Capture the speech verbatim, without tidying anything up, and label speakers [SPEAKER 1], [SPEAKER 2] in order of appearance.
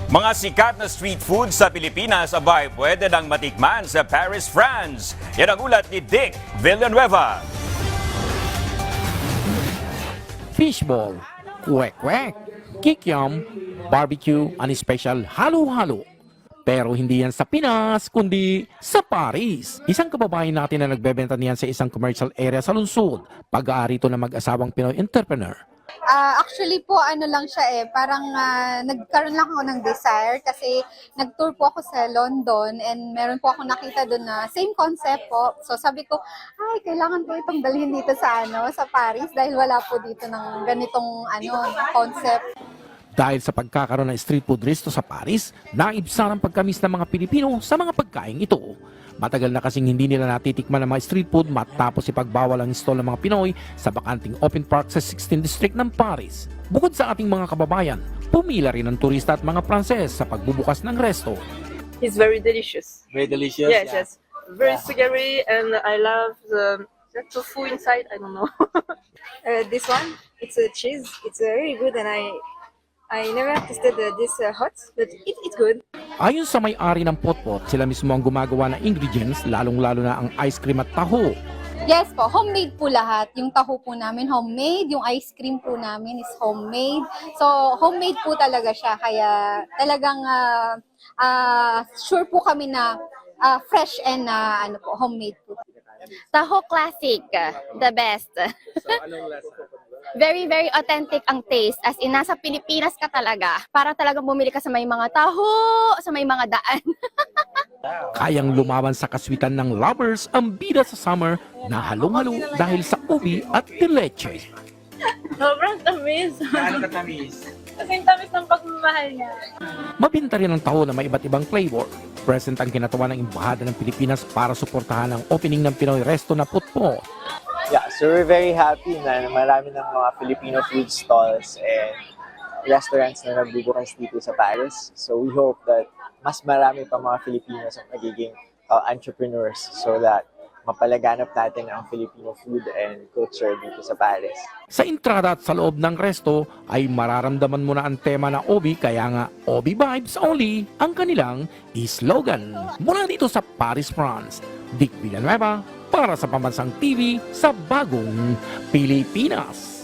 [SPEAKER 1] Mga sikat na street food sa Pilipinas abay pwede nang matikman sa Paris, France. Yan ang ulat ni Dick Villanueva.
[SPEAKER 2] Fishball, kwek-kwek, kikiam, barbecue, and special halo-halo. Pero hindi yan sa Pinas, kundi sa Paris. Isang kababayan natin na nagbebenta niyan sa isang commercial area sa lungsod. Pag-aari ito ng mag-asawang Pinoy entrepreneur.
[SPEAKER 3] Ah, actually po, ano lang siya eh, parang ah, nagkaroon lang ako ng desire kasi nag-tour po ako sa London and meron po ako nakita doon na same concept po. So sabi ko, ay, kailangan ko itong dalhin dito sa ano, sa Paris dahil wala po dito ng ganitong ano, concept.
[SPEAKER 2] Dahil sa pagkakaroon ng street food resto sa Paris, naibsan ang pagkamis ng mga Pilipino sa mga pagkain ito. Matagal na kasing hindi nila natitikman ng mga street food matapos ipagbawal ang stall ng mga Pinoy sa bakanting open park sa sixteenth District ng Paris. Bukod sa ating mga kababayan, pumila rin ang turista at mga Pranses sa pagbubukas ng resto.
[SPEAKER 4] It's very delicious.
[SPEAKER 5] Very delicious.
[SPEAKER 4] Yes,
[SPEAKER 5] yeah.
[SPEAKER 4] yes. Very
[SPEAKER 5] Yeah.
[SPEAKER 4] sugary, and I love the, the tofu inside. I don't know.
[SPEAKER 6] Uh, this one, it's a cheese. It's uh, very good, and I I never tasted uh, this uh, hot, but it, it's good.
[SPEAKER 2] Ayon sa may-ari ng Potpot, sila mismo ang gumagawa ng ingredients, lalong-lalo na ang ice cream at taho.
[SPEAKER 3] Yes po, homemade po lahat. Yung taho po namin homemade, yung ice cream po namin is homemade. So homemade po talaga siya, kaya talagang ah, ah, sure po kami na ah, fresh and ah, ano po, homemade po.
[SPEAKER 7] Taho Classic, the best. Very, very authentic ang taste. As in, nasa Pilipinas ka talaga. Para talagang bumili ka sa may mga taho, sa may mga daan.
[SPEAKER 2] Kayang lumaban sa kaswitan ng lovers ang bida sa summer na halong-halo dahil sa ubi at leche.
[SPEAKER 4] Sobrang tamis.
[SPEAKER 5] Gaano katamis?
[SPEAKER 4] Kasing tamis ng pagmamahal niya.
[SPEAKER 2] Mabinta rin ang taho na may iba't ibang flavor. Present ang kinatawa ng Embahada ng Pilipinas para suportahan ang opening ng Pinoy Resto na Potpot.
[SPEAKER 5] Yeah, so we're very happy na marami ng mga Filipino food stalls and restaurants na nagbubukas dito sa Paris. So we hope that mas marami pa mga Filipinos ang magiging uh, entrepreneurs so that mapalaganap natin ang Filipino food and culture dito sa Paris.
[SPEAKER 2] Sa entrada at sa loob ng resto ay mararamdaman mo na ang tema na Obi, kaya nga Obi Vibes Only ang kanilang slogan. Mula dito sa Paris, France, Dick Villanueva para sa Pambansang T V sa Bagong Pilipinas.